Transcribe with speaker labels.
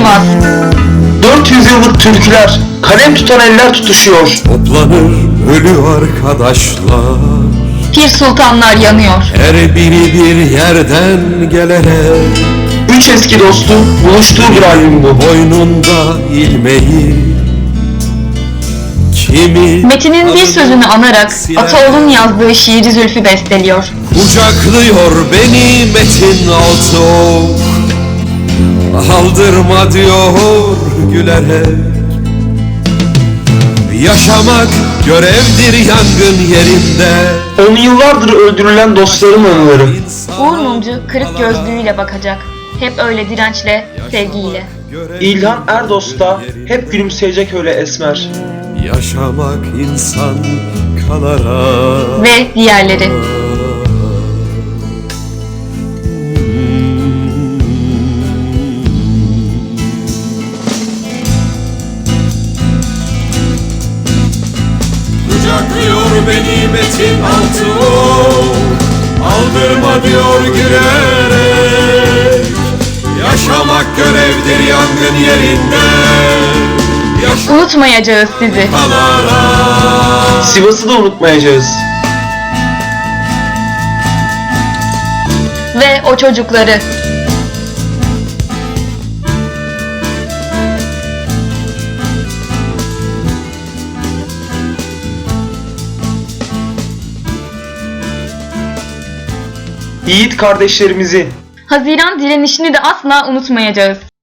Speaker 1: olmaz.
Speaker 2: 400 yıllık türküler, kalem tutan eller tutuşuyor.
Speaker 3: Toplanır ölü arkadaşlar,
Speaker 1: Pir sultanlar yanıyor.
Speaker 3: her biri bir yerden gelerek.
Speaker 2: Üç eski dostun buluştuğu bir albüm bu.
Speaker 3: Boynunda ilmeği, kimi
Speaker 1: Metin'in bir sözünü anarak Ataoğlu'nun yazdığı şiiri Zülfü besteliyor.
Speaker 3: kucaklıyor beni Metin Altıok, aldırma diyor gülerek. Yaşamak görevdir yangın yerinde.
Speaker 2: 10 yıllardır öldürülen dostların anıları.
Speaker 1: Uğur Mumcu kırık gözlüğüyle bakacak. Hep öyle dirençle, sevgiyle.
Speaker 2: İlhan Erdoğan hep gülümseyecek öyle esmer.
Speaker 3: Yaşamak insan kalarak.
Speaker 1: Ve diğerleri.
Speaker 3: Kucaklıyor beni Metin Altıok, aldırma diyor gülerek. Yaşamak görevdir yangın yerinde.
Speaker 1: Unutmayacağız sizi.
Speaker 2: Sivas'ı da unutmayacağız.
Speaker 1: Ve o çocukları.
Speaker 2: Yiğit kardeşlerimizi.
Speaker 1: Haziran direnişini de asla unutmayacağız.